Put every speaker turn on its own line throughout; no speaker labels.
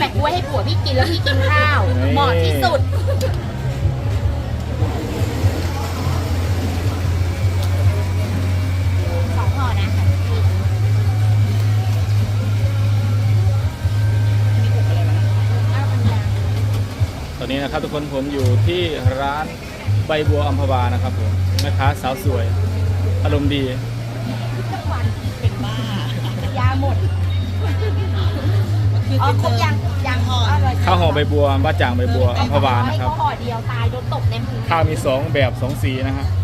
ะกล้วยให้ผัวพี่กินแล้วพี่กินข้าวเหมาะที่สุด2 ห่อนะ
ตอนนี้นะครับทุกคนผมอยู่ที่ร้านใบบัวอัมพวานะครับผมแม่ค้าสาวสวยอารมณ์ดี
ทุกวัน
เป็นบ้าย
าหมดอ๋อครบยังห่อ
ข้าวห่อใบบัวบ้าจ่างใบบัวอัมพวานะครับ
ให้เขาห่อเดียวตายโดนตบในมือ
ข้าวมี2แบบ2สีนะฮะ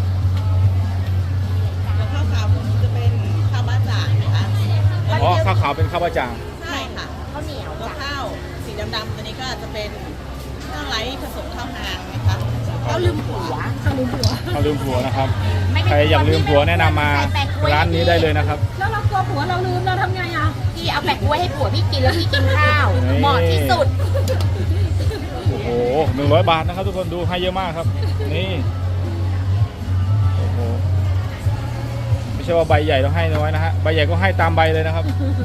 แล้วข้าวขาวผมจะเป็นข้าวบ้าจ่างนะคะ
อ๋อข้าวขาวเป็นข้าวบ้าจ่าง
ใช่ค่ะ
ข้าวเหนียว
แล้ว
จ้ะ
ข้าวสีดำๆตัวนี้ก็จะเป็นข้าวไร้ผสมข้าวหางนะคะ
เขาลืมผัวเขาลืมผัว
ข้าวลืมผัวนะครับ
ไม่ได้
ใครอยากลืมผัวแนะนำมาร้านนี้ได้เลยนะครับ
แล้วเรากลัวผัวเราลืมเราทำไงอ่ะ
พี่เอาแปะกล้วยให้ผัวพี่กินแล้วพี่กินข้าวเหมาะที่สุด
โอ้โห100 บาทนะครับทุกคนดูให้เยอะมากครับนี่โอ้โหไม่ใช่ว่าใบใหญ่ต้องให้น้อยนะฮะใบใหญ่ก็ให้ตามใบเลยนะครับ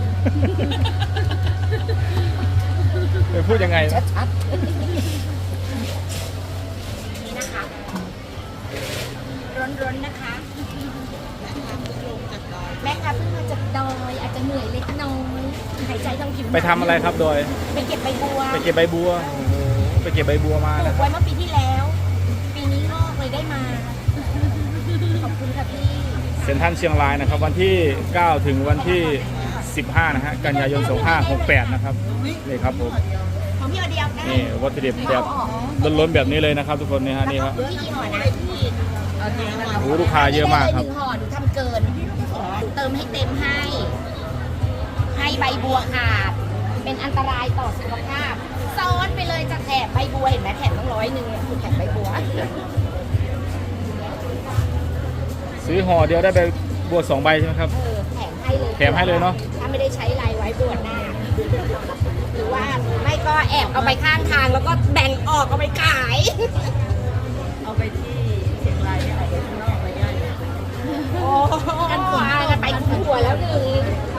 ไปพูดยังไงนะ
ชัดนี่นะคะร้อนๆนะคะ
ลงจากดอย
แม่ค้าเพิ่งมาจากดอยอาจจะเหนื่อยเล็กน้อยหายใจทางผิวหนัง
ไปทำอะไรครับโดย
ไปเก็บใบบัว
ไปเก็บใบบัวโอ้โหไปเก็บใบบัวมา
ปลู
นะ
กไว้เมื่อปีที่แล้ว ปีนี้งอกเลยได้มา ขอบคุณค่ะพี่
เซ็นทรัลเชียงรายนะครับ วันที่ 9 ถึงวันที่ 15 นะฮะกันยายน 2568 นะครับนี่ครับผม
ของพี่เอาเดียวได้
นี่วัตถุดิบแบบล้นๆแบบนี้เลยนะครับ ทุกคนนี่ฮะนี่ครับ
พี่ห่อนะพี่
เอาจริงนะคะ
โอ้โหลูกค้าเยอะมากครับ
ไได้เลย1 ห่อหนูทำเกินหนูเติมให้เต็มให้ใบบัวขาด เป็นอันตรายต่อสุขภาพ ซ้อนไปเลยจะแถบใบบัวเห็นไหมแถบต้อง100เนี่ยคือแถบใบบัว
ซื้อห่อเดียวได้ใบบัว2 ใบใช่ไหมครับ
แถมให้เลย
แถมให้เลยเนอะ
ถ้าไม่ได้ใช้ลายไว้บวชหน้า หรือว่าไม่ก็แอบเอาไปข้างทางแล้วก็แบ่งออกเอาไปขาย
เอาไปที่เชียงรายเนี่ยเอาไปข้างนอกไปได้เลย
โอ้กันไปถึงหัวแล้ว1